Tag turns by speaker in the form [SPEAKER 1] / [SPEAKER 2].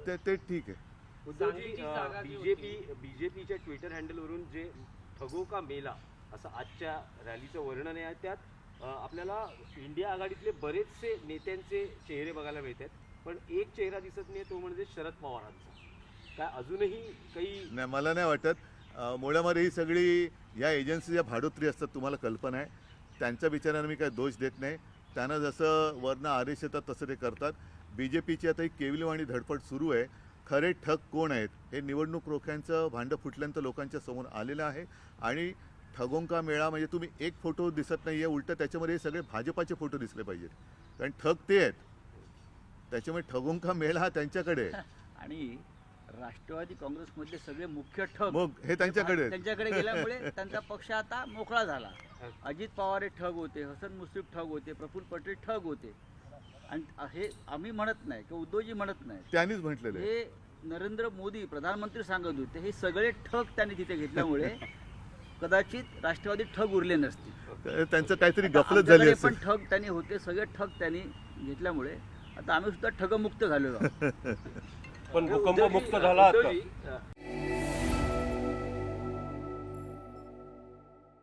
[SPEAKER 1] ते ठीक आहे.
[SPEAKER 2] बीजेपीच्या ट्विटर हँडलवरून जे ठगो का मेला असं आजच्या रॅलीचं वर्णन आहे, त्यात आपल्याला इंडिया आघाडीतले बरेचसे नेत्यांचे चेहरे बघायला मिळतात, पण एक चेहरा दिसत नाही, तो म्हणजे शरद पवारांचा. काय अजूनही काही
[SPEAKER 1] नाही, मला नाही वाटत. मुळामध्ये ही सगळी या एजन्सीच्या भाडोत्री असतात, तुम्हाला कल्पना आहे. त्यांच्या विचाराने मी काय दोष देत नाही. त्यांना जसं वरनं आदेश येतात तसं ते करतात. बीजेपीची आता ही केविलवाणी धडपड सुरू आहे. खरे ठग कोण आहेत हे निवडणूक रोख्यांचं भांडं फुटल्यानंतर लोकांच्या समोर आलेलं आहे. आणि ठगोंका मेळा म्हणजे तुम्ही एक फोटो दिसत नाही आहे, उलटं त्याच्यामध्ये हे सगळे भाजपाचे फोटो दिसले पाहिजेत, कारण ठग ते आहेत. त्याच्यामुळे ठगोंका मेळा हा त्यांच्याकडे आहे.
[SPEAKER 3] आणि राष्ट्रवादी काँग्रेसमधले सगळे मुख्य ठग
[SPEAKER 1] मग हे
[SPEAKER 3] त्यांच्याकडे गेल्यामुळे त्यांचा पक्ष आता मोकळा झाला. अजित पवार हे ठग होते, हसन मुश्रीफ ठग होते, प्रफुल्ल पटेल ठग होते. आणि हे आम्ही म्हणत नाही किंवा उद्धवजी म्हणत नाही,
[SPEAKER 1] त्यांनीच म्हटलेलं आहे.
[SPEAKER 3] हे नरेंद्र मोदी प्रधानमंत्री सांगत होते. हे सगळे ठग त्यांनी तिथे घेतल्यामुळे कदाचित राष्ट्रवादी ठग उरले नसतील.
[SPEAKER 1] त्यांचं काहीतरी गफलत झाली
[SPEAKER 3] पण ठग त्यांनी होते, सगळे ठग त्यांनी घेतल्यामुळे आता आम्ही सुद्धा ठगमुक्त झालेलो आहोत.
[SPEAKER 4] पण भूकंप मुक्त झाला आता.